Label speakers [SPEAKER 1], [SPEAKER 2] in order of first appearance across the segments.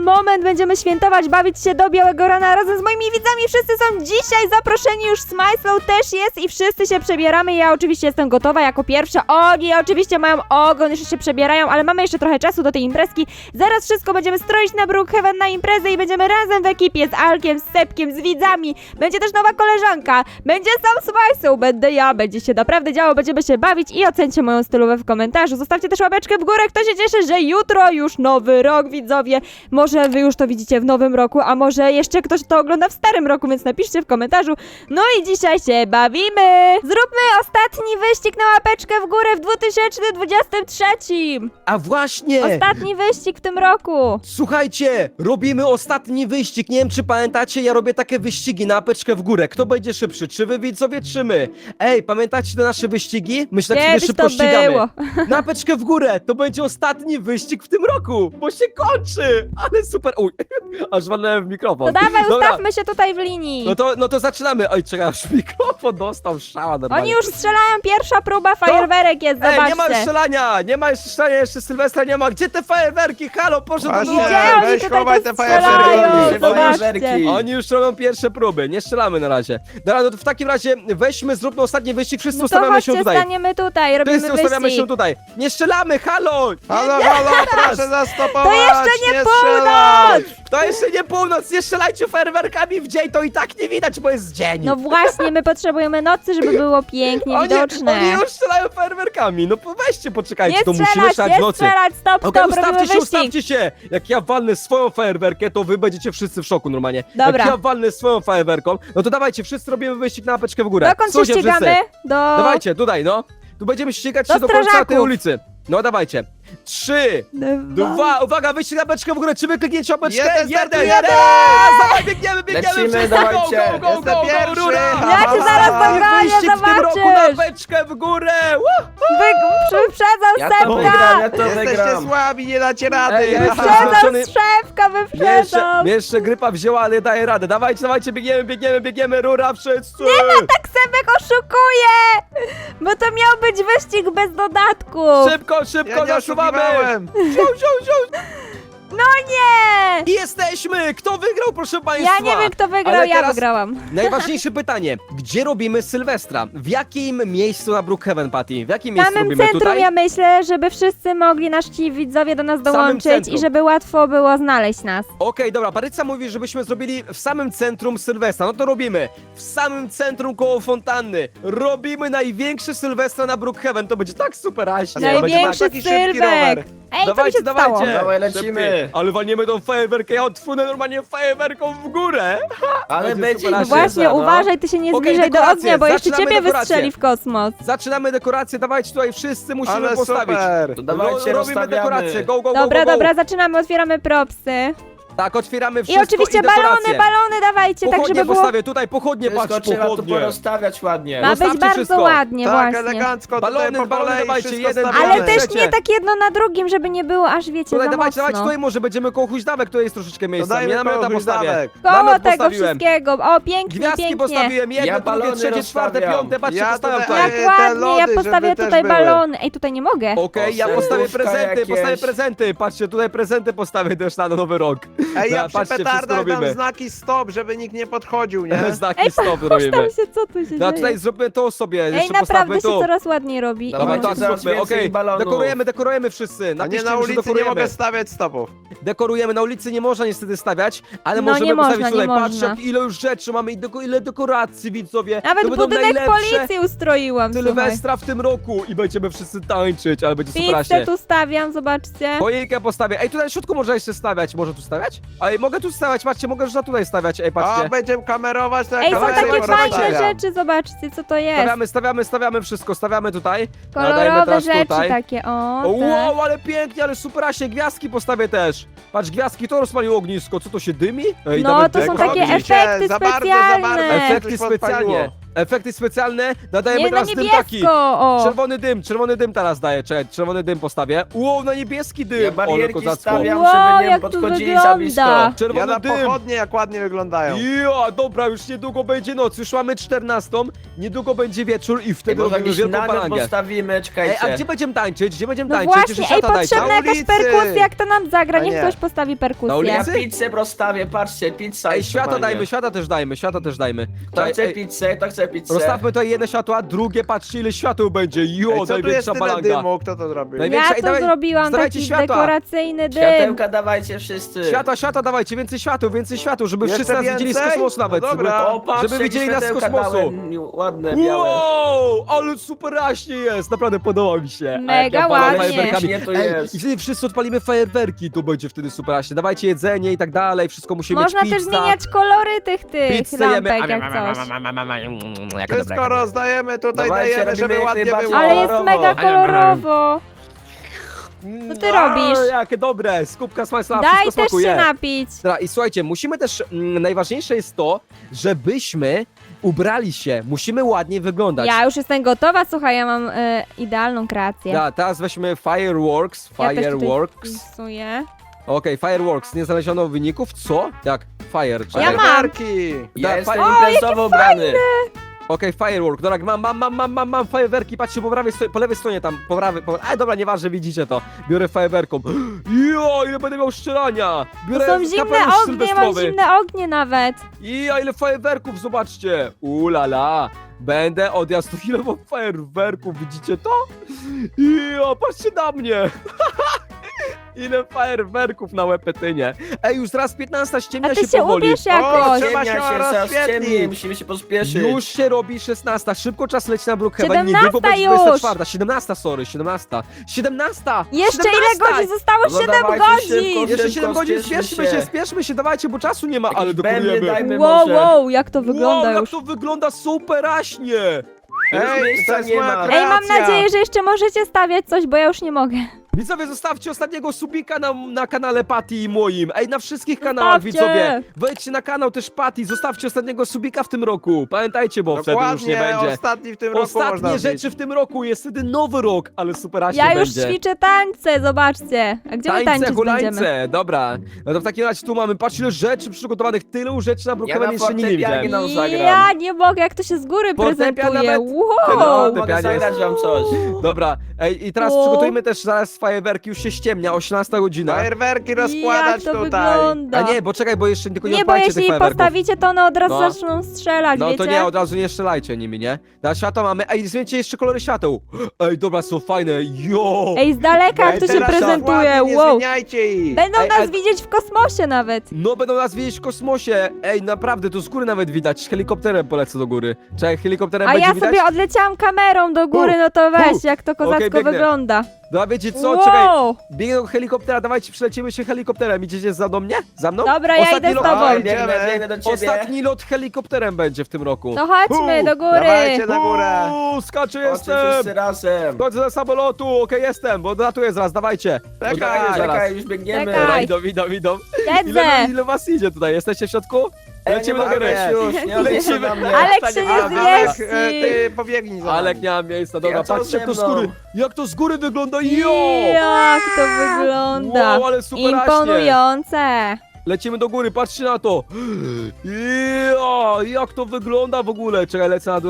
[SPEAKER 1] moment będziemy świętować, bawić się do białego rana razem z moimi widzami. Wszyscy są dzisiaj zaproszeni, już Smajslow też jest i wszyscy się przebieramy. Ja oczywiście jestem gotowa jako pierwsza. Oni oczywiście mają ogon, jeszcze się przebierają, ale mamy jeszcze trochę czasu do tej imprezki. Zaraz wszystko będziemy stroić na Brookhaven na imprezę i będziemy razem w ekipie z Alkiem, z Sepkiem, z widzami. Będzie też nowa koleżanka, będzie sam Smajslow, będę ja, będzie się naprawdę działo, będziemy się bawić i ocencie moją stylówę w komentarzu. Zostawcie też łapeczkę w górę, kto się cieszy, że jutro już nowy rok, widzowie. Może wy już to widzicie w nowym roku, a może jeszcze ktoś to ogląda w starym roku, więc napiszcie w komentarzu. No i dzisiaj się bawimy. Zróbmy ostatni wyścig na łapeczkę w górę w 2023.
[SPEAKER 2] A właśnie!
[SPEAKER 1] Ostatni wyścig w tym roku.
[SPEAKER 2] Słuchajcie, robimy ostatni wyścig. Nie wiem, czy pamiętacie, ja robię takie wyścigi na apeczkę w górę. Kto będzie szybszy? Czy wy widzowie, czy my? Ej, pamiętacie te nasze wyścigi? My się tak sobie
[SPEAKER 1] Kiedyś
[SPEAKER 2] szybko
[SPEAKER 1] to
[SPEAKER 2] ścigamy.
[SPEAKER 1] było.
[SPEAKER 2] Na apeczkę w górę! To będzie ostatni wyścig w tym roku, bo się kończy! Ale super. Uj, aż walnąłem w mikrofon.
[SPEAKER 1] To dawaj,
[SPEAKER 2] Dobra,
[SPEAKER 1] ustawmy się tutaj w linii.
[SPEAKER 2] no to zaczynamy. Oj, czekaj, aż mikrofon dostał strzała normalnie.
[SPEAKER 1] Oni już strzelają, pierwsza próba, fajerwerek jest, zobaczcie.
[SPEAKER 2] Ej, nie ma już strzelania! Nie ma jeszcze strzelania, jeszcze Sylwestra nie ma. Gdzie te fajerwerki? Halo, proszę do
[SPEAKER 1] Właśnie,
[SPEAKER 2] domu!
[SPEAKER 1] oni
[SPEAKER 3] weź
[SPEAKER 1] tutaj
[SPEAKER 3] chowaj
[SPEAKER 1] to
[SPEAKER 3] te
[SPEAKER 1] strzelają,
[SPEAKER 3] fajerwerki.
[SPEAKER 1] zobaczcie.
[SPEAKER 2] Oni już robią pierwsze próby, nie strzelamy na razie. Dobra, no to w takim razie weźmy, zróbmy ostatni wyścig, wszyscy
[SPEAKER 1] No to
[SPEAKER 2] ustawiamy się
[SPEAKER 1] chodźcie,
[SPEAKER 2] tutaj.
[SPEAKER 1] staniemy tutaj, robimy
[SPEAKER 2] Wszyscy ustawiamy się
[SPEAKER 1] wyścig.
[SPEAKER 2] tutaj. Nie strzelamy, halo!
[SPEAKER 3] Halo, proszę zastopować!
[SPEAKER 1] To jeszcze nie
[SPEAKER 3] strzelać!
[SPEAKER 2] To jeszcze nie północ, nie strzelajcie fajerwerkami w dzień, to i tak nie widać, bo jest dzień.
[SPEAKER 1] No właśnie, my potrzebujemy nocy, żeby było pięknie widoczne.
[SPEAKER 2] Oni już strzelają fajerwerkami, no weźcie, poczekajcie,
[SPEAKER 1] Nie
[SPEAKER 2] to musimy
[SPEAKER 1] strzelać,
[SPEAKER 2] strzelać w
[SPEAKER 1] nie
[SPEAKER 2] nocy.
[SPEAKER 1] strzelać, stop,
[SPEAKER 2] Okej,
[SPEAKER 1] stop, robimy
[SPEAKER 2] ustawcie się,
[SPEAKER 1] wyścig.
[SPEAKER 2] ustawcie się! Jak ja walnę swoją fajerwerkę, to wy będziecie wszyscy w szoku normalnie.
[SPEAKER 1] Dobra.
[SPEAKER 2] Jak ja walnę swoją fajerwerką, no to dawajcie, wszyscy robimy wyścig na apeczkę w górę.
[SPEAKER 1] Dokąd się
[SPEAKER 2] Słuchajcie,
[SPEAKER 1] ścigamy?
[SPEAKER 2] wszyscy.
[SPEAKER 1] Do...
[SPEAKER 2] Dawajcie, tutaj, no. Tu będziemy ścigać
[SPEAKER 1] Do
[SPEAKER 2] się do końca tej
[SPEAKER 1] strażaków.
[SPEAKER 2] ulicy. No dawajcie. 3, 2, uwaga, wyścig na apeczkę w górę. Czy wy klikniecie apeczkę?
[SPEAKER 3] Jeden, startujemy!
[SPEAKER 2] Dawaj, biegniemy,
[SPEAKER 4] Lecimy,
[SPEAKER 2] wszyscy.
[SPEAKER 4] dawajcie.
[SPEAKER 3] Jestem pierwszy.
[SPEAKER 2] rura!
[SPEAKER 1] Ja cię zaraz dogonię,
[SPEAKER 2] Wyścig w tym roku na
[SPEAKER 1] zobaczysz.
[SPEAKER 2] apeczkę w górę!
[SPEAKER 1] Wyprzedzał
[SPEAKER 4] Ja to wygram,
[SPEAKER 1] Sepka!
[SPEAKER 4] ja to
[SPEAKER 3] Jesteście
[SPEAKER 4] wygram.
[SPEAKER 3] słabi, nie dacie rady!
[SPEAKER 2] Ej, ja jestem
[SPEAKER 1] Wyprzedzał
[SPEAKER 2] zmęczony.
[SPEAKER 1] Strzewka, wyprzedzał!
[SPEAKER 2] Mnie jeszcze grypa wzięła, ale daje radę. Dawajcie, biegniemy, rura, wszyscy!
[SPEAKER 1] Tak Sebek oszukuje! Bo to miał być wyścig bez dodatku!
[SPEAKER 2] Szybko,
[SPEAKER 3] Ja nie
[SPEAKER 2] nasuwamy!
[SPEAKER 3] oszukiwałem!
[SPEAKER 2] Ziu!
[SPEAKER 1] No nie!
[SPEAKER 2] I jesteśmy! Kto wygrał, proszę państwa?
[SPEAKER 1] Ja nie wiem kto wygrał,
[SPEAKER 2] Ale
[SPEAKER 1] ja
[SPEAKER 2] teraz
[SPEAKER 1] wygrałam.
[SPEAKER 2] Najważniejsze pytanie. Gdzie robimy Sylwestra? W jakim miejscu na Brookhaven, Patty? W jakim
[SPEAKER 1] W
[SPEAKER 2] miejscu
[SPEAKER 1] samym
[SPEAKER 2] robimy?
[SPEAKER 1] centrum
[SPEAKER 2] Tutaj?
[SPEAKER 1] ja myślę, żeby wszyscy mogli, nasi widzowie do nas
[SPEAKER 2] samym
[SPEAKER 1] dołączyć
[SPEAKER 2] centrum.
[SPEAKER 1] i żeby łatwo było znaleźć nas.
[SPEAKER 2] Okej, dobra, Patrycja mówi, żebyśmy zrobili w samym centrum Sylwestra. No to robimy. W samym centrum koło fontanny. Robimy największy Sylwestra na Brookhaven. To będzie tak super aśnie.
[SPEAKER 1] Największy
[SPEAKER 3] taki szybki
[SPEAKER 1] Sylwek!
[SPEAKER 3] rower.
[SPEAKER 1] Ej, co mi się stało?
[SPEAKER 2] Dawajcie.
[SPEAKER 4] Dawaj, lecimy.
[SPEAKER 2] Ale walniemy tą fajerwerkę. Ja odfunę normalnie fajerwerką w górę.
[SPEAKER 4] Ale
[SPEAKER 2] Będzie
[SPEAKER 4] będzie
[SPEAKER 2] super
[SPEAKER 1] No
[SPEAKER 2] aśnie.
[SPEAKER 1] właśnie,
[SPEAKER 4] no.
[SPEAKER 1] uważaj, ty się nie
[SPEAKER 2] Okej,
[SPEAKER 1] zbliżaj do
[SPEAKER 2] dekoracje,
[SPEAKER 1] ognia, bo jeszcze
[SPEAKER 2] zaczynamy
[SPEAKER 1] ciebie
[SPEAKER 2] dekoracje.
[SPEAKER 1] wystrzeli w kosmos.
[SPEAKER 2] Zaczynamy dekorację. Dawajcie tutaj, wszyscy musimy
[SPEAKER 3] Ale
[SPEAKER 2] postawić.
[SPEAKER 3] super!
[SPEAKER 4] To dawajcie,
[SPEAKER 2] Robimy
[SPEAKER 4] rozstawiamy.
[SPEAKER 2] dekorację. Go, go,
[SPEAKER 1] Dobra,
[SPEAKER 2] go, go, go.
[SPEAKER 1] dobra, zaczynamy, otwieramy propsy.
[SPEAKER 2] Tak, otwieramy
[SPEAKER 1] I
[SPEAKER 2] wszystko
[SPEAKER 1] oczywiście
[SPEAKER 2] dekoracje.
[SPEAKER 1] balony dawajcie, tak
[SPEAKER 2] Pochodnie
[SPEAKER 1] żeby było...
[SPEAKER 2] postawię, tutaj pochodnie,
[SPEAKER 4] Wszystko
[SPEAKER 2] patrz,
[SPEAKER 4] trzeba tu
[SPEAKER 2] pochodnie.
[SPEAKER 4] porozstawiać ładnie.
[SPEAKER 1] Ma być
[SPEAKER 2] Zostawcie
[SPEAKER 1] bardzo
[SPEAKER 2] wszystko.
[SPEAKER 1] ładnie,
[SPEAKER 3] Tak,
[SPEAKER 1] właśnie.
[SPEAKER 3] elegancko,
[SPEAKER 2] Balony,
[SPEAKER 3] tutaj po
[SPEAKER 2] balony
[SPEAKER 3] kolei
[SPEAKER 2] dawajcie,
[SPEAKER 3] wszystko
[SPEAKER 2] jeden,
[SPEAKER 3] stawiamy.
[SPEAKER 1] Ale też
[SPEAKER 2] Trzecie.
[SPEAKER 1] nie tak jedno na drugim, żeby nie było aż wiecie
[SPEAKER 2] Tutaj,
[SPEAKER 1] za
[SPEAKER 2] dawajcie,
[SPEAKER 1] mocno.
[SPEAKER 2] tutaj może będziemy koło huźdawek, tutaj jest troszeczkę miejsca.
[SPEAKER 3] dajmy
[SPEAKER 2] Nie namiota
[SPEAKER 3] koło
[SPEAKER 2] postawię.
[SPEAKER 3] huźdawek.
[SPEAKER 1] Koło
[SPEAKER 2] Namiot
[SPEAKER 1] tego
[SPEAKER 2] postawiłem.
[SPEAKER 1] wszystkiego. O, pięknie,
[SPEAKER 2] Gwiazdki
[SPEAKER 1] pięknie.
[SPEAKER 2] postawiłem, jedno,
[SPEAKER 4] Ja
[SPEAKER 2] drugie,
[SPEAKER 4] balony
[SPEAKER 2] trzecie, czwarte,
[SPEAKER 4] rozstawiam.
[SPEAKER 2] piąte, patrzcie,
[SPEAKER 3] Ja
[SPEAKER 2] postawiam
[SPEAKER 3] tutaj-
[SPEAKER 2] tutaj.
[SPEAKER 1] Jak
[SPEAKER 3] te
[SPEAKER 1] ładnie,
[SPEAKER 3] lody,
[SPEAKER 1] ja
[SPEAKER 3] żeby
[SPEAKER 1] postawię
[SPEAKER 3] też
[SPEAKER 1] tutaj
[SPEAKER 3] były.
[SPEAKER 1] balony. Ej, tutaj nie mogę.
[SPEAKER 2] Okej, ja
[SPEAKER 4] O,
[SPEAKER 2] postawię
[SPEAKER 4] serduszka
[SPEAKER 2] prezenty,
[SPEAKER 4] jakieś.
[SPEAKER 2] postawię prezenty. Patrzcie, tutaj prezenty postawię też na nowy rok.
[SPEAKER 3] Ej, ja
[SPEAKER 2] Dobra,
[SPEAKER 3] przy
[SPEAKER 2] patrzcie, wszystko
[SPEAKER 3] petardach dam
[SPEAKER 2] robimy.
[SPEAKER 3] znaki stop, żeby nikt nie podchodził, nie?
[SPEAKER 2] Znaki
[SPEAKER 1] Ej,
[SPEAKER 2] stop
[SPEAKER 1] Puść
[SPEAKER 2] robimy.
[SPEAKER 1] tam się, co tu się
[SPEAKER 2] No a
[SPEAKER 1] dzieje?
[SPEAKER 2] tutaj zróbmy to sobie,
[SPEAKER 1] Ej,
[SPEAKER 2] jeszcze
[SPEAKER 1] naprawdę
[SPEAKER 2] postawmy
[SPEAKER 1] się
[SPEAKER 2] tu.
[SPEAKER 1] coraz ładniej robi.
[SPEAKER 4] Dobra,
[SPEAKER 2] Dawaj,
[SPEAKER 4] to
[SPEAKER 2] tak
[SPEAKER 4] zaraz
[SPEAKER 2] zróbmy,
[SPEAKER 4] więcej
[SPEAKER 2] okej.
[SPEAKER 4] balonów.
[SPEAKER 2] Dekorujemy wszyscy.
[SPEAKER 3] A nie
[SPEAKER 2] Napiszcie,
[SPEAKER 3] na
[SPEAKER 2] że
[SPEAKER 3] ulicy nie
[SPEAKER 2] dekorujemy.
[SPEAKER 3] mogę stawiać stopów.
[SPEAKER 2] Dekorujemy, na ulicy nie można niestety stawiać, ale
[SPEAKER 1] No,
[SPEAKER 2] możemy
[SPEAKER 1] nie
[SPEAKER 2] postawić
[SPEAKER 1] można,
[SPEAKER 2] tutaj.
[SPEAKER 1] nie
[SPEAKER 2] Patrzcie,
[SPEAKER 1] można.
[SPEAKER 2] ile już rzeczy mamy i ile dekoracji, widzowie. To
[SPEAKER 1] Nawet
[SPEAKER 2] będą
[SPEAKER 1] budynek
[SPEAKER 2] najlepsze
[SPEAKER 1] policji ustroiłem, słuchaj.
[SPEAKER 2] Sylwestra w tym roku i będziemy wszyscy tańczyć, ale będzie super
[SPEAKER 1] Pizzę
[SPEAKER 2] aśnie.
[SPEAKER 1] tu stawiam, zobaczcie.
[SPEAKER 2] Choinkę postawię. Ej, tutaj w środku można jeszcze stawiać. Może tu stawiać? Ej, mogę tu stawiać, patrzcie, mogę już na tutaj stawiać. Ej,
[SPEAKER 3] A,
[SPEAKER 2] patrzcie.
[SPEAKER 3] będziemy kamerować, to ja
[SPEAKER 1] Ej, są
[SPEAKER 3] kamerę
[SPEAKER 1] takie
[SPEAKER 2] porozstawiam.
[SPEAKER 1] fajne rzeczy, zobaczcie, co to jest.
[SPEAKER 2] Stawiamy wszystko, stawiamy tutaj.
[SPEAKER 1] Kolorowe
[SPEAKER 2] teraz
[SPEAKER 1] rzeczy
[SPEAKER 2] tutaj.
[SPEAKER 1] takie, o, tak.
[SPEAKER 2] Wow, ale pięknie, ale super aśnie, gwiazdki postawię też. Patrz, gwiazdki, to rozpaliło ognisko, co to się dymi? Ej,
[SPEAKER 1] No,
[SPEAKER 2] nawet
[SPEAKER 1] to są
[SPEAKER 2] jak
[SPEAKER 1] takie
[SPEAKER 2] robić?
[SPEAKER 1] efekty
[SPEAKER 3] za bardzo,
[SPEAKER 1] specjalne.
[SPEAKER 3] za bardzo.
[SPEAKER 2] Efekty
[SPEAKER 3] Coś podpaliło.
[SPEAKER 2] specjalnie. efekty specjalne, nadajemy
[SPEAKER 1] Nie, na
[SPEAKER 2] teraz dym taki.
[SPEAKER 1] niebiesko, o.
[SPEAKER 2] Czerwony dym teraz daję, czekaj, czerwony dym postawię. Ło, na niebieski dym.
[SPEAKER 4] Ja
[SPEAKER 2] Ole,
[SPEAKER 4] barierki
[SPEAKER 2] kozacko.
[SPEAKER 4] stawiam,
[SPEAKER 1] Wow,
[SPEAKER 4] żeby nie
[SPEAKER 1] jak tu
[SPEAKER 4] podchodzili za blisko.
[SPEAKER 1] wygląda.
[SPEAKER 3] Ja
[SPEAKER 2] Czerwony
[SPEAKER 3] na
[SPEAKER 2] dym.
[SPEAKER 3] pochodnie jak ładnie wyglądają.
[SPEAKER 2] Ja, dobra, już niedługo będzie noc, już mamy 14, niedługo będzie wieczór i
[SPEAKER 4] Ej,
[SPEAKER 2] wtedy
[SPEAKER 4] może
[SPEAKER 2] robimy
[SPEAKER 4] jakiś
[SPEAKER 2] wielką
[SPEAKER 4] namiot
[SPEAKER 2] balangę.
[SPEAKER 4] postawimy,
[SPEAKER 2] Ej,
[SPEAKER 4] czekajcie.
[SPEAKER 2] a gdzie będziemy tańczyć? Gdzie będziemy
[SPEAKER 1] No
[SPEAKER 2] tańczyć?
[SPEAKER 1] właśnie,
[SPEAKER 2] Jeszcze
[SPEAKER 1] ej,
[SPEAKER 2] świata dajcie.
[SPEAKER 1] potrzebna jakaś
[SPEAKER 3] ulicy.
[SPEAKER 1] perkusja, kto nam zagra,
[SPEAKER 3] A
[SPEAKER 1] niech
[SPEAKER 3] nie.
[SPEAKER 1] ktoś postawi
[SPEAKER 2] Na
[SPEAKER 1] perkusję.
[SPEAKER 2] ulicy?
[SPEAKER 4] Ja pizzę rozstawię, patrzcie, pizza
[SPEAKER 2] Ej,
[SPEAKER 4] jest
[SPEAKER 2] świata
[SPEAKER 4] normalnie.
[SPEAKER 2] dajmy, świata też dajmy.
[SPEAKER 4] Kto
[SPEAKER 2] Czekaj,
[SPEAKER 4] chce
[SPEAKER 2] ej,
[SPEAKER 4] pizzę, kto chce pizzę?
[SPEAKER 2] rozstawmy tutaj jedne światła, drugie, patrzcie ile świateł będzie. Jo,
[SPEAKER 3] Ej, co tu jest
[SPEAKER 2] największa
[SPEAKER 3] tyle
[SPEAKER 2] balanga.
[SPEAKER 3] dymu? Kto to zrobił?
[SPEAKER 2] Największa-
[SPEAKER 1] Ja
[SPEAKER 2] Ej,
[SPEAKER 1] to
[SPEAKER 2] dawaj,
[SPEAKER 1] zrobiłam,
[SPEAKER 2] zdawajcie
[SPEAKER 1] taki
[SPEAKER 2] światła.
[SPEAKER 1] dekoracyjny dym.
[SPEAKER 4] Światełka dawajcie wszyscy.
[SPEAKER 2] Światła, dawajcie, więcej świateł, żeby
[SPEAKER 3] Jeszcze
[SPEAKER 2] wszyscy nas widzieli z
[SPEAKER 3] więcej?
[SPEAKER 2] kosmosu nawet.
[SPEAKER 3] No dobra.
[SPEAKER 4] O, patrzcie,
[SPEAKER 2] żeby widzieli nas z
[SPEAKER 4] światełka
[SPEAKER 2] kosmosu.
[SPEAKER 4] dałem, ładne, białe.
[SPEAKER 2] Wow, ale super raśnie jest, naprawdę podoba mi się.
[SPEAKER 1] Mega
[SPEAKER 4] ja palę
[SPEAKER 1] ładnie.
[SPEAKER 4] fajerwerkami. Nie, to jest.
[SPEAKER 2] I wtedy wszyscy odpalimy fajerwerki, to będzie wtedy super raśnie. Dawajcie jedzenie i tak dalej, wszystko musi
[SPEAKER 1] Można
[SPEAKER 2] być
[SPEAKER 1] też
[SPEAKER 2] pizza.
[SPEAKER 1] zmieniać kolory tych
[SPEAKER 2] Pizzę jemy.
[SPEAKER 1] lampek jak coś.
[SPEAKER 2] Jaka
[SPEAKER 3] Wszystko
[SPEAKER 2] dobra.
[SPEAKER 3] rozdajemy, tutaj
[SPEAKER 4] Dawajcie,
[SPEAKER 3] dajemy,
[SPEAKER 4] robimy
[SPEAKER 3] żeby
[SPEAKER 4] jak
[SPEAKER 3] ładnie
[SPEAKER 4] najbardziej.
[SPEAKER 3] było.
[SPEAKER 1] Ale jest
[SPEAKER 4] kolorowo.
[SPEAKER 1] mega kolorowo.
[SPEAKER 2] Co
[SPEAKER 1] ty robisz?
[SPEAKER 2] Jakie dobre, skupka smajsla,
[SPEAKER 1] Daj
[SPEAKER 2] wszystko
[SPEAKER 1] też
[SPEAKER 2] smakuje.
[SPEAKER 1] się napić.
[SPEAKER 2] Dobra, i słuchajcie, musimy też, najważniejsze jest to, żebyśmy ubrali się, musimy ładnie wyglądać.
[SPEAKER 1] Ja już jestem gotowa, słuchaj, ja mam idealną kreację.
[SPEAKER 2] Da, teraz weźmy Fireworks,
[SPEAKER 1] Ja też tutaj
[SPEAKER 2] Fireworks.
[SPEAKER 1] wpisuję.
[SPEAKER 2] Okej, Fireworks, nie znaleziono wyników, co? Jak? Fire, czekaj.
[SPEAKER 1] Ja mam.
[SPEAKER 3] Fajerwerki.
[SPEAKER 4] Ja jestem
[SPEAKER 2] O,
[SPEAKER 4] imprezowo ubrany.
[SPEAKER 2] Okej, Firework, dobra, mam fajerwerki, patrzcie po lewej stronie tam, dobra, nieważne, widzicie to. Biorę fajerwerką. Jo, ile będę miał strzelania!
[SPEAKER 1] To
[SPEAKER 2] Biorę
[SPEAKER 1] są zimne
[SPEAKER 2] kapelusz
[SPEAKER 1] ognie, mam
[SPEAKER 2] sylwestrowy.
[SPEAKER 1] zimne ognie nawet.
[SPEAKER 2] Ja, ile fajerwerków, zobaczcie! Ulala! Będę odjazd, ile mam fajerwerków, widzicie to? Ja, patrzcie na mnie! Ile fajerwerków na łepetynie. Ej, już zaraz 15,
[SPEAKER 1] A
[SPEAKER 2] ściemnia
[SPEAKER 1] ty
[SPEAKER 2] się
[SPEAKER 1] się
[SPEAKER 2] powoli.
[SPEAKER 1] ubierz jakoś.
[SPEAKER 3] trzeba
[SPEAKER 4] Ciemnia
[SPEAKER 3] się
[SPEAKER 4] się, zaraz
[SPEAKER 3] rozświetlić.
[SPEAKER 4] ciemniej, musimy się pospieszyć.
[SPEAKER 2] Już się robi 16, szybko czas leci na Brookhaven,
[SPEAKER 1] 17
[SPEAKER 2] niedługo będzie
[SPEAKER 1] już.
[SPEAKER 2] 24, 17, sorry, 17. 17!
[SPEAKER 1] Jeszcze
[SPEAKER 2] 17!
[SPEAKER 1] ile godzin? Zostało
[SPEAKER 4] No
[SPEAKER 1] 7
[SPEAKER 4] dawajcie
[SPEAKER 1] godzin!
[SPEAKER 4] szybko.
[SPEAKER 2] Jeszcze 7 godzin,
[SPEAKER 4] spieszmy się.
[SPEAKER 2] spieszmy się, dawajcie, bo czasu nie ma, ale
[SPEAKER 4] Jakieś bębny
[SPEAKER 2] dokonujemy.
[SPEAKER 4] dajmy
[SPEAKER 1] Wow,
[SPEAKER 4] może.
[SPEAKER 1] wow, jak to wygląda
[SPEAKER 2] Wow,
[SPEAKER 1] już.
[SPEAKER 2] jak to wygląda superaśnie!
[SPEAKER 3] Ej,
[SPEAKER 4] miejsca
[SPEAKER 3] to jest
[SPEAKER 4] nie
[SPEAKER 3] moja
[SPEAKER 4] ma.
[SPEAKER 1] Ej, mam
[SPEAKER 3] kreacja.
[SPEAKER 1] nadzieję, że jeszcze możecie stawiać coś, bo ja już nie mogę.
[SPEAKER 2] Widzowie, zostawcie ostatniego subika na kanale Patty i moim. Ej, na wszystkich kanałach,
[SPEAKER 1] Zostawcie.
[SPEAKER 2] widzowie. Wejdźcie na kanał też Patty, zostawcie ostatniego subika w tym roku. Pamiętajcie, bo wtedy już nie
[SPEAKER 3] Dokładnie,
[SPEAKER 2] będzie.
[SPEAKER 3] ostatni w tym roku można
[SPEAKER 2] Ostatnie rzeczy
[SPEAKER 3] wbić.
[SPEAKER 2] w tym roku, jest wtedy nowy rok, ale superaśnie
[SPEAKER 1] Ja już
[SPEAKER 2] będzie.
[SPEAKER 1] ćwiczę tańce, zobaczcie. A gdzie my tańczyć
[SPEAKER 2] hulańce,
[SPEAKER 1] będziemy?
[SPEAKER 2] dobra. No to w takim razie tu mamy, patrz ile rzeczy przygotowanych, tylu rzeczy na Brookhaven
[SPEAKER 4] na
[SPEAKER 2] jeszcze nigdy nie
[SPEAKER 4] fortepianie
[SPEAKER 2] widziałem.
[SPEAKER 4] nam zagram.
[SPEAKER 1] Ja nie mogę, jak to się z góry
[SPEAKER 2] Fortepian
[SPEAKER 1] prezentuje.
[SPEAKER 2] nawet?
[SPEAKER 4] No,
[SPEAKER 1] Wow!
[SPEAKER 4] mogę zagrać wam coś.
[SPEAKER 2] Dobra, ej, i teraz
[SPEAKER 1] O.
[SPEAKER 2] przygotujmy też zaraz fajerwerki, już się ściemnia, 18 godzina.
[SPEAKER 3] Fajerwerki
[SPEAKER 1] Jak
[SPEAKER 3] rozkładać
[SPEAKER 1] to
[SPEAKER 3] tutaj.
[SPEAKER 1] wygląda?
[SPEAKER 2] A nie, bo czekaj, bo jeszcze tylko nie
[SPEAKER 1] Nie, bo
[SPEAKER 2] odpalcie tych
[SPEAKER 1] jeśli
[SPEAKER 2] fajerwerków.
[SPEAKER 1] postawicie, to one od razu
[SPEAKER 2] No.
[SPEAKER 1] zaczną strzelać,
[SPEAKER 2] No
[SPEAKER 1] wiecie?
[SPEAKER 2] to nie, od razu nie strzelajcie nimi, nie? Na światło mamy, ej, zmieńcie jeszcze kolory świateł. Ej, dobra, są fajne, jo!
[SPEAKER 1] Ej, z daleka jak
[SPEAKER 3] Ej,
[SPEAKER 1] to się
[SPEAKER 3] teraz
[SPEAKER 1] prezentuje,
[SPEAKER 3] ładnie, nie
[SPEAKER 1] wow!
[SPEAKER 3] zmieniajcie ich.
[SPEAKER 1] Będą
[SPEAKER 2] Ej,
[SPEAKER 1] nas
[SPEAKER 2] ej.
[SPEAKER 1] widzieć w kosmosie nawet.
[SPEAKER 2] No będą nas widzieć w kosmosie. Ej, naprawdę, to z góry nawet widać. Helikopterem polecę do góry. Czekaj, helikopterem
[SPEAKER 1] A
[SPEAKER 2] będzie
[SPEAKER 1] ja
[SPEAKER 2] widać?
[SPEAKER 1] sobie odleciałam kamerą do góry, no to weź, jak to kozacko
[SPEAKER 2] biegnę.
[SPEAKER 1] wygląda.
[SPEAKER 2] Dobra, wiecie co? Czekaj,
[SPEAKER 1] Wow!
[SPEAKER 2] biegnę do helikoptera, dawajcie, przylecimy się helikopterem. Idziecie za mnie? Za mną?
[SPEAKER 1] Dobra, ja
[SPEAKER 2] Ostatni
[SPEAKER 1] idę z
[SPEAKER 2] lot-
[SPEAKER 1] tobą.
[SPEAKER 3] Oj,
[SPEAKER 4] Biegnę do ciebie.
[SPEAKER 2] Ostatni lot helikopterem będzie w tym roku.
[SPEAKER 1] To chodźmy do góry.
[SPEAKER 3] Dawajcie na górę.
[SPEAKER 2] Skaczę,
[SPEAKER 4] Chodźcie
[SPEAKER 2] jestem!
[SPEAKER 4] wszyscy razem.
[SPEAKER 2] Chodzę do samolotu, okej, jestem, bo dolatuję zaraz, dawajcie.
[SPEAKER 3] Czekaj,
[SPEAKER 2] Dolatuję zaraz.
[SPEAKER 4] Czekaj, już biegniemy.
[SPEAKER 1] Czekaj.
[SPEAKER 2] Idą.
[SPEAKER 1] Siedzę.
[SPEAKER 2] Ile was idzie tutaj? Jesteście w środku?
[SPEAKER 4] Ej,
[SPEAKER 2] Lecimy
[SPEAKER 4] nie
[SPEAKER 2] do góry.
[SPEAKER 4] mogę już, nie odniesie
[SPEAKER 2] Lecimy.
[SPEAKER 4] na mnie.
[SPEAKER 1] Alek się nie
[SPEAKER 3] A, Alek,
[SPEAKER 1] zmieści.
[SPEAKER 3] ty pobiegnij za
[SPEAKER 2] Alek
[SPEAKER 3] nami.
[SPEAKER 2] nie ma miejsca, dobra,
[SPEAKER 4] Ja co
[SPEAKER 2] patrzcie jak to
[SPEAKER 4] ze
[SPEAKER 2] z góry,
[SPEAKER 4] mną?
[SPEAKER 2] jak to z góry wygląda, jo!
[SPEAKER 1] Jak to wygląda.
[SPEAKER 2] Wow, ale super
[SPEAKER 1] Imponujące.
[SPEAKER 2] Lecimy do góry, patrzcie na to. Jo, jak to wygląda w ogóle? Czekaj, lecę na dół.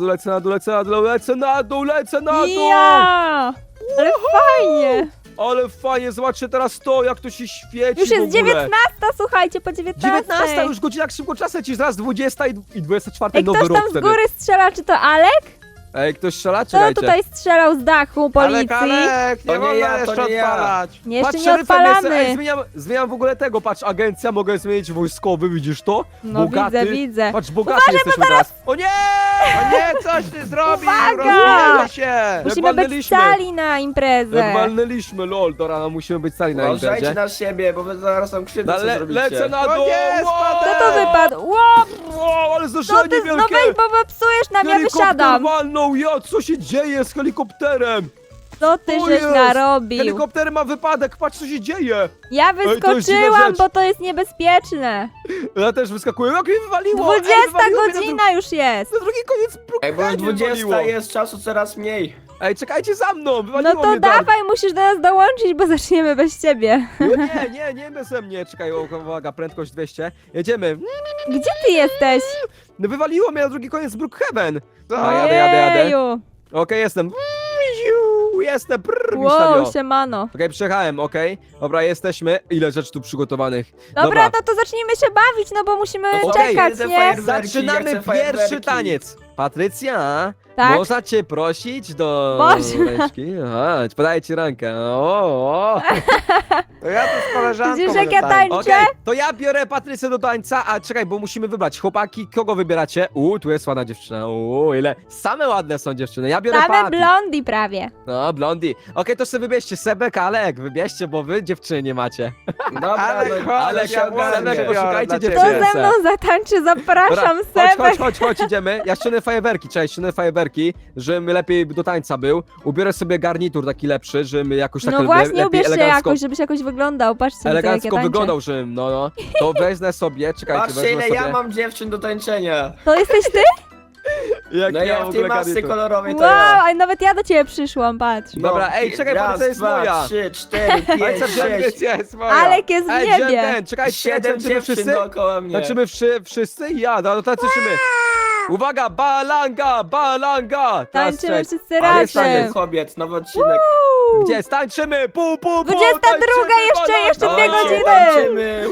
[SPEAKER 1] Ja! Ale fajnie.
[SPEAKER 2] Ale fajnie, zobaczcie teraz to, jak to się świeci
[SPEAKER 1] Już
[SPEAKER 2] w
[SPEAKER 1] jest
[SPEAKER 2] ogóle.
[SPEAKER 1] 19, słuchajcie, po 19.
[SPEAKER 2] 19, już godzina jak szybko czas leci, zaraz 20 i 24
[SPEAKER 1] Ej,
[SPEAKER 2] nowy
[SPEAKER 1] ktoś
[SPEAKER 2] rok
[SPEAKER 1] tam z
[SPEAKER 2] wtedy.
[SPEAKER 1] góry strzela, czy to Alek?
[SPEAKER 2] Ej, ktoś strzela?
[SPEAKER 1] Kto
[SPEAKER 2] Czekajcie.
[SPEAKER 1] tutaj strzelał z dachu policji?
[SPEAKER 3] Alek,
[SPEAKER 4] To
[SPEAKER 3] nie
[SPEAKER 4] nie
[SPEAKER 3] wolno
[SPEAKER 4] ja, to
[SPEAKER 3] jeszcze
[SPEAKER 4] nie ja.
[SPEAKER 3] odpalać.
[SPEAKER 1] Nie, jeszcze
[SPEAKER 2] Patrz,
[SPEAKER 1] nie
[SPEAKER 2] szeryfem jestem.
[SPEAKER 1] odpalamy.
[SPEAKER 2] Ej, zmieniam w ogóle tego, patrz, agencja, mogę zmienić wojskowy, widzisz to?
[SPEAKER 1] No
[SPEAKER 2] Bogaty.
[SPEAKER 1] widzę.
[SPEAKER 2] Patrz, bogaty jesteśmy teraz. O nie!
[SPEAKER 3] O nie, coś ty zrobił,
[SPEAKER 1] Uwaga!
[SPEAKER 3] rozwalmy się.
[SPEAKER 1] Musimy być
[SPEAKER 2] walnęliśmy.
[SPEAKER 1] cali na imprezę.
[SPEAKER 2] Jak walnęliśmy, lol, to rano musimy być sali na
[SPEAKER 4] Uważajcie
[SPEAKER 2] imprezie.
[SPEAKER 4] na siebie, bo wy zaraz tam krzywdę
[SPEAKER 2] No,
[SPEAKER 4] co zrobicie.
[SPEAKER 2] lecę na
[SPEAKER 3] O
[SPEAKER 2] dół!
[SPEAKER 3] nie,
[SPEAKER 2] Wow!
[SPEAKER 3] spadłem!
[SPEAKER 1] Kto to wypadł? Wow,
[SPEAKER 2] Wow, ale
[SPEAKER 1] no
[SPEAKER 2] zdarzenie
[SPEAKER 1] ty
[SPEAKER 2] wielkie!
[SPEAKER 1] no weź, bo psujesz nam, ja
[SPEAKER 2] Helikopter
[SPEAKER 1] wysiadam.
[SPEAKER 2] walnął, ja, co się dzieje z helikopterem?
[SPEAKER 1] Co ty
[SPEAKER 2] O
[SPEAKER 1] żeś
[SPEAKER 2] jest!
[SPEAKER 1] narobił?
[SPEAKER 2] Helikopter ma wypadek, patrz co się dzieje.
[SPEAKER 1] Ja
[SPEAKER 2] to jest dziwna
[SPEAKER 1] wyskoczyłam,
[SPEAKER 2] rzecz.
[SPEAKER 1] bo to jest niebezpieczne.
[SPEAKER 2] Ja też wyskakuję, jak mnie wywaliło.
[SPEAKER 1] 20
[SPEAKER 2] wywaliło mnie
[SPEAKER 1] godzina już jest.
[SPEAKER 2] Na drugi koniec
[SPEAKER 4] Ej, bo już
[SPEAKER 2] Brookhaven
[SPEAKER 4] 20
[SPEAKER 2] wywaliło.
[SPEAKER 4] jest, czasu coraz mniej.
[SPEAKER 2] Ej, czekajcie za mną, wywaliło
[SPEAKER 1] No to
[SPEAKER 2] mnie tam.
[SPEAKER 1] dawaj, musisz do nas dołączyć, bo zaczniemy bez ciebie.
[SPEAKER 2] No nie beze mnie. Czekaj, uwaga, prędkość 200. Jedziemy.
[SPEAKER 1] Gdzie ty jesteś?
[SPEAKER 2] No wywaliło mnie na drugi koniec Brookhaven.
[SPEAKER 3] Co?
[SPEAKER 2] A jadę.
[SPEAKER 1] Ojeju.
[SPEAKER 2] Okej, jestem. Jestem.
[SPEAKER 1] Wow, siemano.
[SPEAKER 2] Okej, przejechałem, okej. Dobra, jesteśmy. Ile rzeczy tu przygotowanych.
[SPEAKER 1] Dobra, no to zacznijmy się bawić, no bo musimy
[SPEAKER 4] No to
[SPEAKER 1] czekać,
[SPEAKER 4] okej,
[SPEAKER 1] nie?
[SPEAKER 4] fajerwerki, ja
[SPEAKER 2] Zaczynamy
[SPEAKER 4] chcę fajerwerki.
[SPEAKER 2] pierwszy taniec. Patrycja,
[SPEAKER 1] Tak?
[SPEAKER 2] można cię prosić do
[SPEAKER 1] Można.
[SPEAKER 2] ręczki? Aha, podaję ci rękę. O.
[SPEAKER 3] To ja tu z koleżanką
[SPEAKER 1] Widzisz,
[SPEAKER 3] będę
[SPEAKER 1] jak ja
[SPEAKER 3] tańczył.
[SPEAKER 1] tańczę?
[SPEAKER 2] Okej, to ja biorę Patrycję do tańca, a czekaj, bo musimy wybrać. Chłopaki, kogo wybieracie? Tu jest ładna dziewczyna. Ile? Same ładne są dziewczyny. Ja biorę
[SPEAKER 1] Same
[SPEAKER 2] Patty.
[SPEAKER 1] blondi prawie.
[SPEAKER 2] No, blondi. Okej, to sobie wybierzcie Sebek, Alek, wybierzcie, bo wy dziewczyny nie macie.
[SPEAKER 4] Dobra,
[SPEAKER 3] Ale
[SPEAKER 4] no,
[SPEAKER 3] chodź,
[SPEAKER 4] ale się
[SPEAKER 3] ja
[SPEAKER 4] ogarnie.
[SPEAKER 2] Sebek, poszukajcie
[SPEAKER 3] dla ciebie.
[SPEAKER 1] Kto
[SPEAKER 2] dziewczyny.
[SPEAKER 1] ze mną zatańczy? Zapraszam, Sebek.
[SPEAKER 2] chodź, idziemy. Ja ściągnę fajerwerki, cześć, ściągnę fajerwerki, żebym lepiej do tańca był. Ubiorę sobie garnitur taki lepszy, żebym jakoś tak
[SPEAKER 1] No właśnie,
[SPEAKER 2] lepiej
[SPEAKER 1] ubierz się
[SPEAKER 2] elegancko,
[SPEAKER 1] jakoś, żebyś jakoś wyglądał. Patrzcie, na to, jak ja
[SPEAKER 2] elegancko
[SPEAKER 1] tańczę.
[SPEAKER 2] wyglądał, żebym, no. To wezmę sobie, czekajcie,
[SPEAKER 4] Patrzcie,
[SPEAKER 2] wezmę
[SPEAKER 4] ile
[SPEAKER 2] sobie.
[SPEAKER 4] ja mam dziewczyn do tańczenia.
[SPEAKER 1] To jesteś ty?
[SPEAKER 2] Jak
[SPEAKER 4] No ja w tej masce
[SPEAKER 2] garnitur.
[SPEAKER 4] kolorowej to
[SPEAKER 1] Wow,
[SPEAKER 4] ja.
[SPEAKER 1] a nawet ja do ciebie przyszłam, patrz.
[SPEAKER 4] No,
[SPEAKER 2] Dobra, ej, czekaj, bo
[SPEAKER 4] raz,
[SPEAKER 2] to jest
[SPEAKER 4] dwa,
[SPEAKER 2] moja.
[SPEAKER 4] 3, 4, 5,
[SPEAKER 2] Ojca,
[SPEAKER 4] 6,
[SPEAKER 3] Jest moja.
[SPEAKER 1] Alek jest w
[SPEAKER 2] Ej,
[SPEAKER 1] niebie.
[SPEAKER 2] ten, czekajcie,
[SPEAKER 4] 7
[SPEAKER 2] tańczymy
[SPEAKER 4] dziewczyn
[SPEAKER 2] wszyscy?
[SPEAKER 4] dookoła mnie.
[SPEAKER 2] Tańczymy wszyscy? Ja, no tańczymy. Uwaga, balanga! Teraz
[SPEAKER 1] Tańczymy
[SPEAKER 2] cześć.
[SPEAKER 1] wszyscy
[SPEAKER 4] Ale jest taniec
[SPEAKER 1] razem.
[SPEAKER 4] kobiet, nowy odcinek.
[SPEAKER 2] Gdzie? Tańczymy!
[SPEAKER 1] 22
[SPEAKER 2] tańczymy,
[SPEAKER 1] jeszcze
[SPEAKER 2] balanga!
[SPEAKER 1] 2 godziny.
[SPEAKER 4] Tańczymy.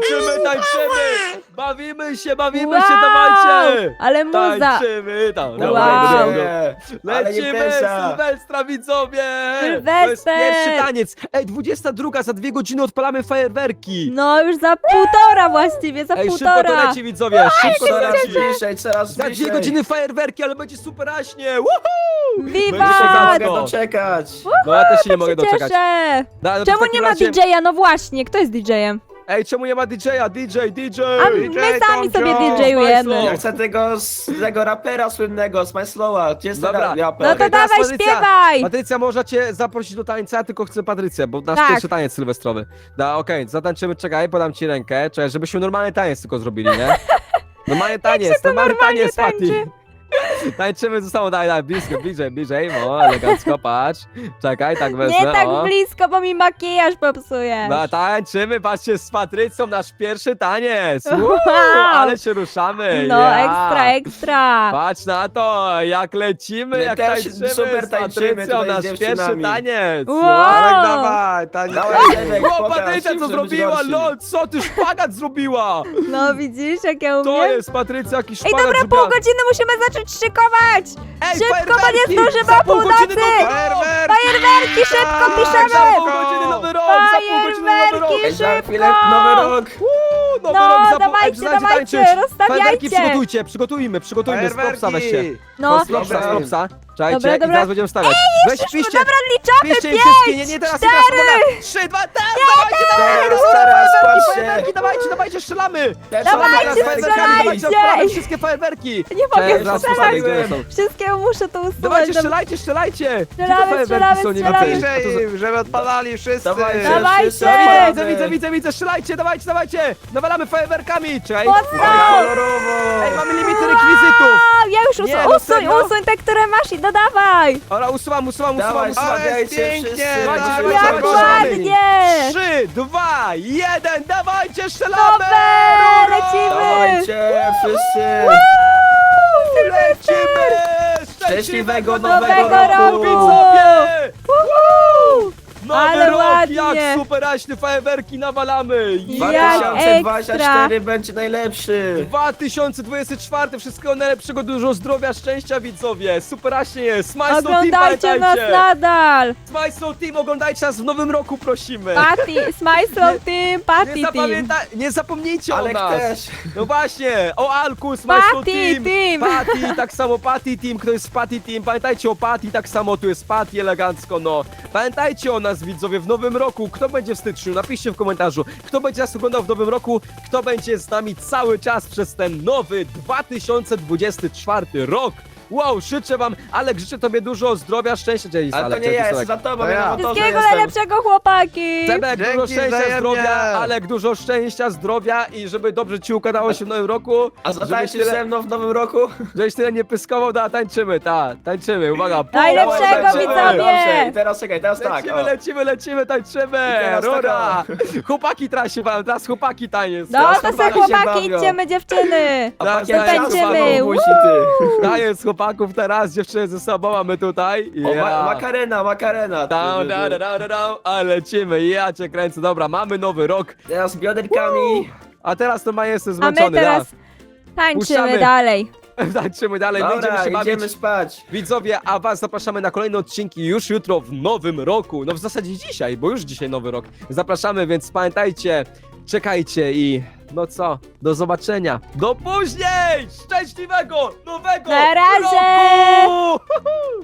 [SPEAKER 2] Tańczymy! Bawimy się,
[SPEAKER 1] Wow,
[SPEAKER 2] dawajcie!
[SPEAKER 1] ale muza.
[SPEAKER 2] Tańczymy! Tam,
[SPEAKER 1] Wow.
[SPEAKER 4] Dawajcie. Ale nie
[SPEAKER 2] Lecimy,
[SPEAKER 4] pensa.
[SPEAKER 2] Sylwestra, widzowie!
[SPEAKER 1] Sylwester!
[SPEAKER 2] To jest pierwszy taniec! Ej, 22, za 2 godziny odpalamy fajerwerki!
[SPEAKER 1] No już za półtora właściwie, za
[SPEAKER 2] Ej, szybko to
[SPEAKER 1] półtora.
[SPEAKER 2] leci, widzowie! Szybko to
[SPEAKER 4] Coraz
[SPEAKER 2] leci!
[SPEAKER 4] bliżej, coraz
[SPEAKER 2] Za 2
[SPEAKER 4] bliżej.
[SPEAKER 2] godziny fajerwerki, ale będzie super aśnie! Woohoo!
[SPEAKER 4] Nie
[SPEAKER 2] Będzie
[SPEAKER 1] Wiwat!
[SPEAKER 2] szybko.
[SPEAKER 4] mogę doczekać.
[SPEAKER 2] No ja też się nie
[SPEAKER 1] Tak
[SPEAKER 2] mogę
[SPEAKER 1] się
[SPEAKER 2] doczekać.
[SPEAKER 1] cieszę.
[SPEAKER 2] No, to w
[SPEAKER 1] Czemu
[SPEAKER 2] takim
[SPEAKER 1] nie ma
[SPEAKER 2] razie-
[SPEAKER 1] DJ-a? No właśnie, kto jest DJ-em?
[SPEAKER 2] Ej, czemu nie ma DJ-a? DJ!
[SPEAKER 1] A
[SPEAKER 3] DJ
[SPEAKER 1] my sami
[SPEAKER 3] Tomcio.
[SPEAKER 1] sobie DJ-ujemy.
[SPEAKER 2] Smajslow.
[SPEAKER 4] Ja chcę tego rapera słynnego, Smajslowa. Gdzie jest ten
[SPEAKER 2] Dobra.
[SPEAKER 4] raper?
[SPEAKER 1] No to
[SPEAKER 2] Okej, teraz
[SPEAKER 1] dawaj,
[SPEAKER 2] Patrycja.
[SPEAKER 1] śpiewaj!
[SPEAKER 2] Patrycja, można cię zaprosić do tańca, tylko chcę Patrycję, bo nasz
[SPEAKER 1] Tak.
[SPEAKER 2] pierwszy taniec sylwestrowy. Okej, zatańczymy, czekaj, podam ci rękę, czekaj, żebyśmy normalny taniec tylko zrobili, nie? Normalny taniec, normalny
[SPEAKER 1] normalnie
[SPEAKER 2] taniec, Pati.
[SPEAKER 1] tańczy?
[SPEAKER 2] Tańczymy ze sobą, daj, blisko, bliżej, o, elegancko, patrz. Czekaj, tak wezmę,
[SPEAKER 1] Nie tak
[SPEAKER 2] o.
[SPEAKER 1] blisko, bo mi makijaż popsujesz.
[SPEAKER 2] No, tańczymy, patrzcie, z Patrycją nasz pierwszy taniec.
[SPEAKER 1] Wow.
[SPEAKER 2] Ale się ruszamy.
[SPEAKER 1] No,
[SPEAKER 2] ja.
[SPEAKER 1] ekstra.
[SPEAKER 2] Patrz na to, jak lecimy,
[SPEAKER 4] My
[SPEAKER 2] jak
[SPEAKER 4] też
[SPEAKER 2] tańczymy
[SPEAKER 4] super
[SPEAKER 2] z
[SPEAKER 4] tańczymy
[SPEAKER 2] Patrycją,
[SPEAKER 4] tutaj z
[SPEAKER 2] nasz
[SPEAKER 4] dziewczynami.
[SPEAKER 2] pierwszy taniec.
[SPEAKER 1] Wow.
[SPEAKER 3] Alek, dawaj, tańczymy.
[SPEAKER 4] Dawaj, Sebek,
[SPEAKER 2] O,
[SPEAKER 4] pokaż,
[SPEAKER 2] Patrycja co
[SPEAKER 4] żeby być
[SPEAKER 2] zrobiła,
[SPEAKER 4] gorszym.
[SPEAKER 2] lol, co ty szpagat zrobiła?
[SPEAKER 1] No widzisz, jak ja
[SPEAKER 2] To
[SPEAKER 1] umiem?
[SPEAKER 2] jest Patrycja, jakiś
[SPEAKER 1] Ej,
[SPEAKER 2] szpagat
[SPEAKER 1] dobra,
[SPEAKER 2] zrobiła.
[SPEAKER 1] pół godziny musimy zacząć szykować!
[SPEAKER 2] Ej,
[SPEAKER 1] szybko, bo nie
[SPEAKER 2] fajerwerki!
[SPEAKER 1] zdążymy
[SPEAKER 2] Za
[SPEAKER 1] o
[SPEAKER 2] pół godziny
[SPEAKER 1] północy!
[SPEAKER 2] nowy rok!
[SPEAKER 1] Fajerwerki, szybko
[SPEAKER 2] Tak,
[SPEAKER 1] piszemy!
[SPEAKER 2] za pół godziny nowy rok! Za pół godziny nowy rok!
[SPEAKER 1] Fajerwerki!
[SPEAKER 4] Ej, za chwilę
[SPEAKER 1] Szybko!
[SPEAKER 4] nowy rok.
[SPEAKER 2] Nowy
[SPEAKER 1] No,
[SPEAKER 2] rok za pół...
[SPEAKER 1] dawajcie,
[SPEAKER 2] Ej,
[SPEAKER 1] dawajcie,
[SPEAKER 2] tańczyć.
[SPEAKER 1] rozstawiajcie.
[SPEAKER 2] Fajerwerki przygotujmy, z propsa weź się.
[SPEAKER 1] No,
[SPEAKER 2] Z propsa,
[SPEAKER 4] Dobra.
[SPEAKER 2] z propsa. Czekajcie,
[SPEAKER 1] Dobra,
[SPEAKER 2] i
[SPEAKER 1] dobra.
[SPEAKER 2] zaraz będziemy stawiać. Weź, piszcie,
[SPEAKER 1] dobra, liczamy!
[SPEAKER 2] piszcie im
[SPEAKER 1] 5,
[SPEAKER 2] wszystkie, nie teraz,
[SPEAKER 1] 4.
[SPEAKER 2] 3, 2, dawajcie,
[SPEAKER 4] Teraz,
[SPEAKER 2] fajerwerki,
[SPEAKER 4] patrzcie.
[SPEAKER 2] dawajcie, strzelamy!
[SPEAKER 1] Dawajcie, strzelajcie!
[SPEAKER 2] Odpalamy wszystkie fajerwerki!
[SPEAKER 1] Nie mogę
[SPEAKER 2] Cześć, zaraz
[SPEAKER 1] strzelać.
[SPEAKER 2] postawię, gdzie są.
[SPEAKER 1] Wszystkiego muszę to usunąć.
[SPEAKER 2] Dawajcie,
[SPEAKER 1] Dobra.
[SPEAKER 2] strzelajcie! Gdzie te
[SPEAKER 1] Strzelamy,
[SPEAKER 2] fajerwerki są? Nie
[SPEAKER 1] strzelamy,
[SPEAKER 2] widzę.
[SPEAKER 1] strzelamy.
[SPEAKER 2] A to za-
[SPEAKER 3] Bliżej, żeby odpalali wszyscy.
[SPEAKER 4] Dawajcie,
[SPEAKER 1] Dawajcie.
[SPEAKER 4] wszyscy
[SPEAKER 2] Widzę,
[SPEAKER 4] odpalamy.
[SPEAKER 2] widzę, strzelajcie, dawajcie! Nawalamy fajerwerkami, czekaj!
[SPEAKER 1] Mocno!
[SPEAKER 4] Kolorowo.
[SPEAKER 2] Ej, mamy limity rekwizytów!
[SPEAKER 1] A, ja już
[SPEAKER 2] Nie, no serio?
[SPEAKER 1] usuń te, które masz i dodawaj!
[SPEAKER 2] Dobra, usuwam.
[SPEAKER 4] Dawaj,
[SPEAKER 3] Ale
[SPEAKER 4] stawiajcie
[SPEAKER 3] pięknie,
[SPEAKER 4] wszyscy.
[SPEAKER 3] dawaj,
[SPEAKER 4] Dawajcie,
[SPEAKER 3] dawaj,
[SPEAKER 1] Jak
[SPEAKER 3] dawaj.
[SPEAKER 1] ładnie!
[SPEAKER 2] 3, 2, 1, dawajcie, strzelamy!
[SPEAKER 1] Super, lecimy!
[SPEAKER 4] Dawajcie, wszyscy.
[SPEAKER 2] Lecimy!
[SPEAKER 4] Szczęśliwego
[SPEAKER 1] Nowego
[SPEAKER 4] roku.
[SPEAKER 2] Widzowie!
[SPEAKER 1] Woohoo!
[SPEAKER 2] Nowy
[SPEAKER 1] Ale
[SPEAKER 2] rok,
[SPEAKER 1] ładnie.
[SPEAKER 2] jak super aśny fajerwerki nawalamy!
[SPEAKER 1] Jak
[SPEAKER 4] 2024 będzie najlepszy.
[SPEAKER 2] 2024, wszystkiego najlepszego, dużo zdrowia, szczęścia, widzowie! Super aśnie jest! Smile Team,
[SPEAKER 1] Oglądajcie nas
[SPEAKER 2] pamiętajcie!
[SPEAKER 1] nadal!
[SPEAKER 2] Smile Team, oglądajcie nas w nowym roku, prosimy!
[SPEAKER 1] Patty, Smile Team,
[SPEAKER 2] Nie,
[SPEAKER 1] Patty Team!
[SPEAKER 2] nie zapomnijcie o
[SPEAKER 4] Alek
[SPEAKER 2] nas!
[SPEAKER 4] też.
[SPEAKER 2] No właśnie, o Alku, Smile
[SPEAKER 1] Patty Team.
[SPEAKER 2] Patty, tak samo Patty Team, kto jest Patty Team, pamiętajcie o Patty, tak samo tu jest Patty, elegancko, no. Pamiętajcie o nas, widzowie, w nowym roku, kto będzie w styczniu, napiszcie w komentarzu, kto będzie nas oglądał w nowym roku, kto będzie z nami cały czas przez ten nowy 2024 rok. Wow, życzę wam, Alek, życzę tobie dużo zdrowia, szczęścia. Gdzie jest
[SPEAKER 4] Ale to
[SPEAKER 2] Alek?
[SPEAKER 4] nie
[SPEAKER 2] Gdzie
[SPEAKER 4] ja,
[SPEAKER 2] jest
[SPEAKER 4] jestem
[SPEAKER 2] Alek?
[SPEAKER 4] za tobą,
[SPEAKER 3] To
[SPEAKER 4] ja
[SPEAKER 3] ja.
[SPEAKER 4] na motorze
[SPEAKER 1] Wszystkiego
[SPEAKER 4] jestem.
[SPEAKER 1] najlepszego, chłopaki!
[SPEAKER 2] Sebek, dużo
[SPEAKER 3] Dzięki
[SPEAKER 2] szczęścia,
[SPEAKER 3] wzajemnie.
[SPEAKER 2] zdrowia, Alek, dużo szczęścia, zdrowia i żeby dobrze ci układało się w nowym roku.
[SPEAKER 4] A
[SPEAKER 2] żebyś
[SPEAKER 4] zatańczysz ze mną w nowym roku?
[SPEAKER 2] żebyś tyle nie pyskował, tańczymy, tańczymy, uwaga.
[SPEAKER 1] Najlepszego,
[SPEAKER 2] Lecimy.
[SPEAKER 1] widzowie!
[SPEAKER 4] Dobrze, i teraz czekaj, teraz tak.
[SPEAKER 2] Lecimy, tańczymy!
[SPEAKER 4] I teraz
[SPEAKER 2] Rura! Chłopaki teraz się bawią, teraz chłopaki taniec.
[SPEAKER 1] No
[SPEAKER 4] Teraz
[SPEAKER 1] to se
[SPEAKER 4] chłopaki się
[SPEAKER 1] chłopaki,
[SPEAKER 4] bawią.
[SPEAKER 1] idźmy dziewczyny!
[SPEAKER 4] A
[SPEAKER 2] Teraz
[SPEAKER 4] pakiet
[SPEAKER 1] tańczymy.
[SPEAKER 4] ciasta znowu musi, ty.
[SPEAKER 2] Taniec chłopaków teraz, dziewczyny ze sobą, a my tutaj.
[SPEAKER 4] O,
[SPEAKER 2] Ja.
[SPEAKER 4] makarena.
[SPEAKER 2] Down, a lecimy, ja cię kręcę, dobra, mamy nowy rok,
[SPEAKER 4] Teraz bioderkami.
[SPEAKER 2] a teraz to ma jestem
[SPEAKER 1] A my
[SPEAKER 2] zmęczony,
[SPEAKER 1] teraz tańczymy
[SPEAKER 2] Puszczamy.
[SPEAKER 1] dalej.
[SPEAKER 2] Tańczymy dalej, będziemy
[SPEAKER 4] Dobra,
[SPEAKER 2] się bawić.
[SPEAKER 4] idziemy spać.
[SPEAKER 2] Widzowie, a was zapraszamy na kolejne odcinki już jutro w nowym roku. No w zasadzie dzisiaj, bo już dzisiaj nowy rok. Zapraszamy, więc pamiętajcie, czekajcie i no co, do zobaczenia. Do później! Szczęśliwego nowego
[SPEAKER 1] Na razie!
[SPEAKER 2] roku!